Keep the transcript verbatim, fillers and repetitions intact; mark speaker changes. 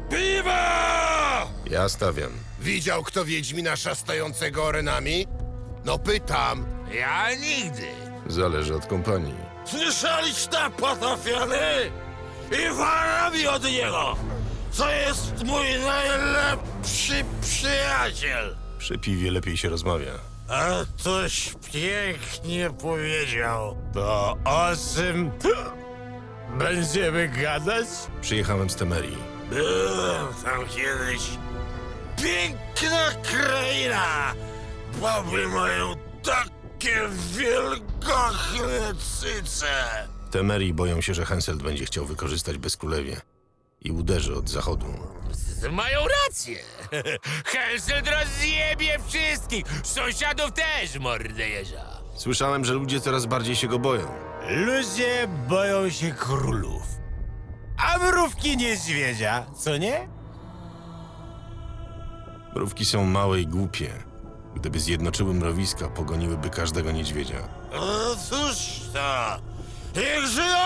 Speaker 1: Piwa!
Speaker 2: Ja stawiam.
Speaker 3: Widział kto Wiedźmina szastającego orenami? No pytam.
Speaker 1: Ja nigdy.
Speaker 2: Zależy od kompanii.
Speaker 1: Słyszeliście, potrafiony? I wara mi od niego! To jest mój najlepszy przyjaciel!
Speaker 2: Przy piwie lepiej się rozmawia.
Speaker 1: A toś pięknie powiedział. To o czym będziemy gadać?
Speaker 2: Przyjechałem z Temerii.
Speaker 1: Byłem tam kiedyś. Piękna kraina! Baby mają takie wielgachne cyce!
Speaker 2: W Temerii boją się, że Henselt będzie chciał wykorzystać bezkrólewie i uderzy od zachodu.
Speaker 4: Mają rację. Henselt rozjebie wszystkich. Sąsiadów też, mordę jeża.
Speaker 2: Słyszałem, że ludzie coraz bardziej się go boją.
Speaker 5: Ludzie boją się królów. A mrówki niedźwiedzia, co nie?
Speaker 2: Mrówki są małe i głupie. Gdyby zjednoczyły mrowiska, pogoniłyby każdego niedźwiedzia.
Speaker 1: O cóż to? Niech żyją